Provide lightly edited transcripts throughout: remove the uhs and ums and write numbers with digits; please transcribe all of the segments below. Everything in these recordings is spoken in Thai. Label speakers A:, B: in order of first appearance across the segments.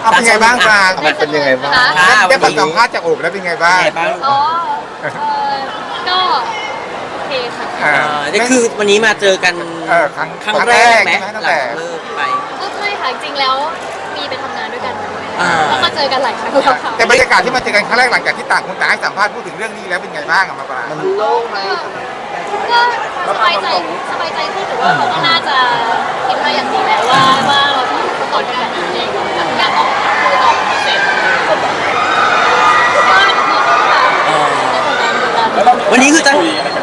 A: เอาเป็นไงบ้างปลา
B: มันเป็นยังไงบ้าง
A: ได้ฟังสัมภาษณ์จากโอบแล้วเป็นไงบ้าง
C: อ๋อก็โอเคค่ะ
D: นี่คือวันนี้มาเจอกัน
A: ครั้ง
D: แรกไหม
A: ตั้ง
D: หลั
A: แต่
D: งเลิกไป
C: ก็ไม่ค่ะจริงๆแล้วมีไปทำงานด้วยกันมาด้วย
D: อ่า
C: แล้วก็เจอกันหลายครั้งแล้วค่ะ
A: แต่บรรยากาศที่มาเจอกันครั้งแรกหลังจากที่ต่างคนต่างให้สัมภาษณ์พูดถึงเรื่องนี้แล้วเป็นไงบ้างอะมาปลา
C: ก็สบายใจขึ้นแต่ว่าเขาก็น่าจะคิดมาอย่างดีแล้วว่าเราต้องต่อด้วยกันเองอยากออกคุยต่อเสร็จก็ดีค่ะ
D: วันนี้คือตั้ง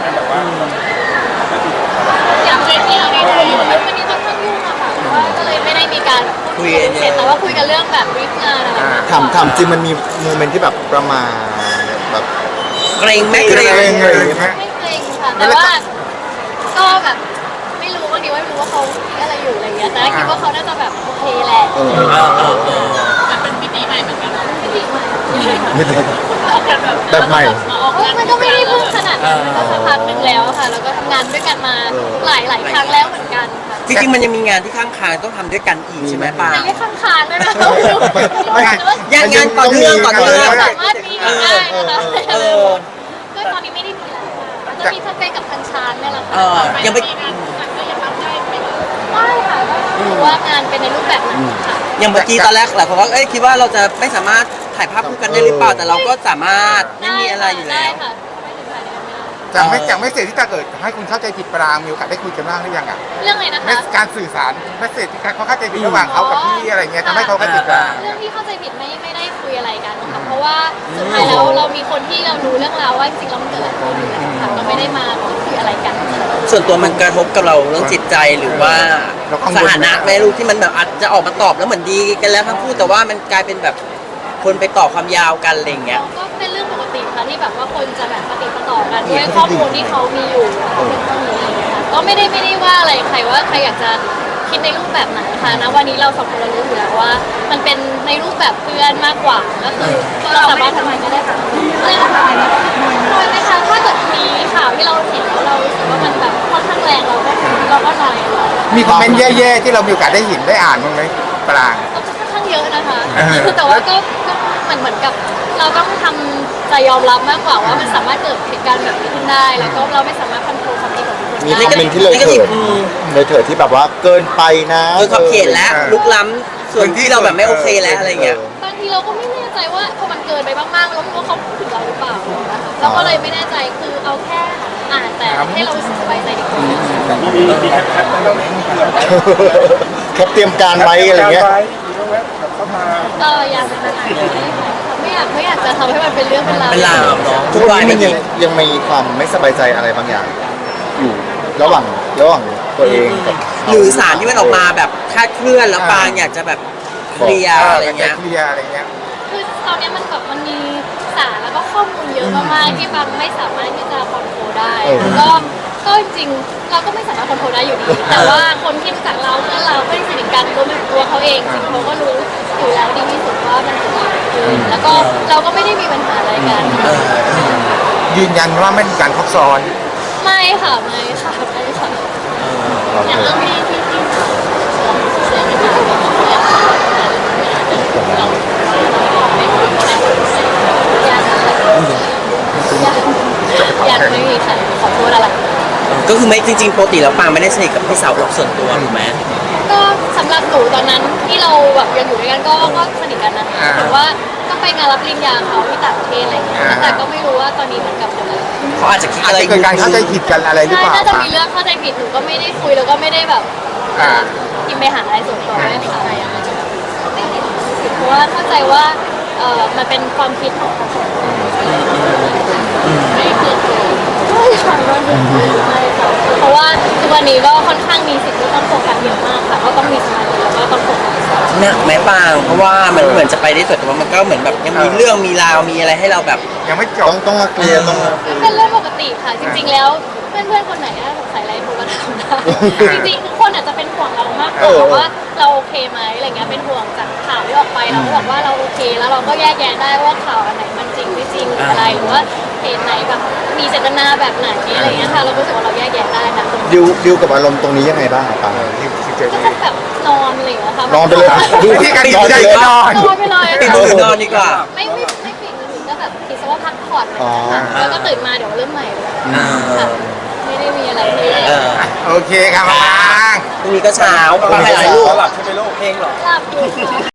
C: อย่างเช่นที่เราได้คุยวันนี้ค่อนข้างยุ่งอะค่ะเพราะว่าก็เลยไม่ได้มีการคุยเสร็จแต่ว่าคุยกันเรื่องแบบริฟงานอะไร
B: ถามจริงมันมีโมเมนต์ที่แบบประมาณแบบ
D: เกรงไหมเกรง
A: เลยไหม
C: ไม่เกรงค่ะแต่ว่าก็แบบไม่รู้บางทีว่าไม่รู้ว่าเขาคิดอะไรอยู่อะไรเงี้ยแต่คิดว่าเขาน่าจะแบบโอเคแหละแต่เป็นมิติใหม่เหมือนกันมิติใหม่
B: ไม่ได้แบบใหม่
C: มันก็ไม่ได้เพิ่งขนาดนั้นมันก็สักพักหนึ่งแล้วค่ะแล้วก็ทำงานด้วยกันมาหลายครั้งแล้วเหมือนกันค่ะ
D: จริงๆมันยังมีงานที่ข้างคางต้องทำด้วยกันอีกใช่ไหมปา
C: ไม่ข้างๆด้วยนะ
D: ยังงานต่อเนื่อง
C: สามารถมีกันได้นะคะก็ตอนนี้ไม่ได้มีแล้วจะมีสเปคกับทางชานเนี่ยแหละค่ะ
D: ยังไม่
C: ไม่ค่ะก็รู้ว่างานเป็นในรูปแบบไหนค่ะ
D: ยังเมื่อกี้ตอนแรกหลายคนว่าคิดว่าเราจะไม่สามารถถ่ายภาพคู่กันได้หรือเปล่าแต่เราก็สามารถไม่มีอะไรอยู่แล้ว
C: ได้ค่ะไม่ถึงถ่ายด้วยกันไม่ได้
A: จากไม่เสร็จที่ถ้าเกิดให้คุณเข้าใจผิดปรางมีโอกาสได้คุยกันบ้างหรือยังอ่ะ
C: เรื่องอะไรนะคะ
A: การสื่อสารไม่เสร็จที่เขาเข้าใจผิดระหว่างเขากับพี่อะไรเงี้ยทำให้เขาเข้าใจผิดปราง
C: เรื่องที่เข้าใจผิดไม่ได้คุยอะไรกันค่ะเพราะว่าสุดท้ายแล้วเรามีคนที่เรารู้เรื่องราวว่าจริงๆแล้วมันเกิดอะไรขึ้นค่ะก็ไม่ได้มาคุยอะไรกันค่ะ
D: ส่วนตัวมันกระทบกับเราเรื่องจิตใจหรือว่าสถานะแม่ลูกที่มันแบบอาจจะออกมาตอบแล้วเหมือนดีกันแล้วทั้งคู่แต่ว่ามันกลายเป็นแบบคนไปต่อความยาวกันอะไรอย่างเงี้ย
C: ก็เป็นเรื่องปกติค่ะที่แบบว่าคนจะแบบปฏิปต่อกันด้วยข้อมูลที่เขามีอยู่เป็นข้อมูลอะไรอย่างเงี้ยค่ะก็ไม่ได้ว่าอะไรใครว่าใครอยากจะคิดในรูปแบบไหนค่ะนะวันนี้เราสองคนเรารู้อยู่แล้วว่า มันเป็นในรูปแบบเพื่อนมากกว่าก็คือเราสามารถทำอะไรก็ได้ค่ะอะไรนะคะน้อยไหมคะถ้าเกิดมีข่าวที่เราเห็นแล้วเรารู้สึกว่ามันแบบค่อนข้างแรงเราก็น้อย
A: มีคอมเมนต์แย่ๆที่เรามีโอกาสได้เห็นได้อ่านบ้างไหมปราง
C: ก็ค่อนข้างเยอะนะคะแต่ว่าก็เหมือนกับเราต้องทำใจยอมรับมากกว่าว่ามันสามารถเกิดเหตุการณ์แบบนี้ขึ้นได้แล้วก็เราไม่สามารถควบคุมความคิดของทุกคน
B: มี
C: ได้
B: คอมเมนต์ที่เลยเถิดที่แบบว่าเกินไปนะ
D: โดยขอบเขตและลุกล้ำส่วนที่เราแบบไม่โอเคแล้วอะไรเงี้ย
C: บางทีเราก็ไม่แน่ใจว่าพอมันเกินไปมากๆแล้วว่าเขาพูดถึงเราหรือเปล่าเราก็เลยไม่แน่ใจคือเอาแค่อ่านแต่ให้เรารู้สึกสบายใจดีกว่า
B: แคปเตรียมการไว้อะไรเงี้ย
C: ก็ยังไม่อยากจะทำให้มันเป็นเรื่องเป็นราว
D: เป็นลาวเนาะ
B: ทุกวันนี้มันยังมีความไม่สบายใจอะไรบางอย่าง อยู่ระหว่างตัวเองกับ
D: หรือสารที่มันออกมาแบบคลาดเคลื่อนแล้วปางอยากจะแบบเคลียร์อะไรเงี้ย
A: เคลียร์อะไรเงี้ย
C: คือตอนนี้มันแบบมันมีสารแล้วก็ข้อมูลเยอะมากๆที่บางไม่สามารถที่จะคอนโทรลได้ก็จริงๆเราก็ไม่สามารถคอนโทรลได้อยู่ดีแต่ว่าคนที่รู้จักเราเพื่อนเราเพื่อนสนิทกันรวมถึงตัวเขาเองจริงเขาก็รู้อยู่แล้วดีที่สุดว่ามันเกิดอะไรขึ้นแล้วก็เราก็ไม่ได้มีปัญหาอะไรกัน
A: ยืนยันว่าไม่มีการครบซ้อน
C: ไม่ค่ะอย่างเรื่องที่ยังไม่มีค่ะขอโทษอะไร
D: ก็คือไม่จริงๆปกติแล้วปางไม่ได้สนิทกับพี่สาวเราส่วนตัวถูกไหม
C: ก็สำหรับหนูตอนนั้นที่เราแบบยังอยู่ด้วยกันก็สนิทกันนะแต่ว่าก็ไปงานรับปริญญาเขาที่ต่างประเทศอะไรอย่างเงี้ยแต่ก็ไม่รู้ว่าตอนนี้เหมือนกับอะไร
D: เขาอาจจะคิด
A: อาจ
D: อะไร
A: จะเกิดการเข้าใจผิดกันอะไรหรือ
C: ใช่
A: เปล่า
C: น่าจะมีเรื่องเข้าใจผิดหนูก็ไม่ได้คุยแล้วก็ไม่ได้แบบกินไปหาอะไรส่วนตัวไม่ได้อะไรอย่างเงี้ยไม่ติดเพราะว่าเข้าใจว่ามันเป็นความคิดของคนไม่คือไม่ค่ะเพราะว่าทุกวันนี้ก็ค่อนข้างมีสิ่งที่ต้องโฟกัสเยอะมากค่ะก็ต้องมีสมาธิแล้วก็ต้องโฟกัส
D: หนักไหมปางเพราะว่ามันเหมือนจะไปได้สุดแต่ว่ามันก็เหมือนแบบยังมีเรื่องมีราวมีอะไรให้เราแบบ
A: ยังไม่จบ
B: ต้องมาเคลียร์ต้องมา
C: เป็นเรื่องปกติค่ะจริงๆแล้วเพื่อนๆคนไหนถ้าสงสัยอะไรโทรมาถามได้จริงๆทุกคนอาจจะเป็นห่วงเรามากกว่าว่าเราโอเคไหมอะไรเงี้ยเป็นห่วงจากข่าวที่ออกไปเราก็บอกว่าเราโอเคแล้วเราก็แยกแยะได้ว่าข่าวอันไหนมันจริงไม่จริงหรืออะไรหรือว่าเหตุไหนแบบมีเจตนาแบบไหนอะไรเงี้ยค่ะเราก็รู้สึกว่าเราแยกแยะได้นะ
B: ดิวกับอารมณ์ตรงนี้ยังไงบ้างปาง
C: ก็จะแบบนอนอะไรอย่างเงี้ยค่ะ
B: นอนไปเลย
A: ที่การตัดสินใจนอน
C: นอนไปเลย
D: ปิดมือถือนอนดีกว่า
C: ไม่ปิดมือถือก็แบบคิดซะว่าพักผ่อนอะไรอย่างเงี้ยค่ะแล้วก็ตื่นมาเดี๋ยวเริ่มใหม่เลยค่ะไม่ได้มีอะไรที่
D: เออ
A: โอเคครับมา
D: พรุ่งนี้ก็เช้าไปหลายลูกหลับใช่ไหมลูกเพลงหรอ
C: หลับอยู่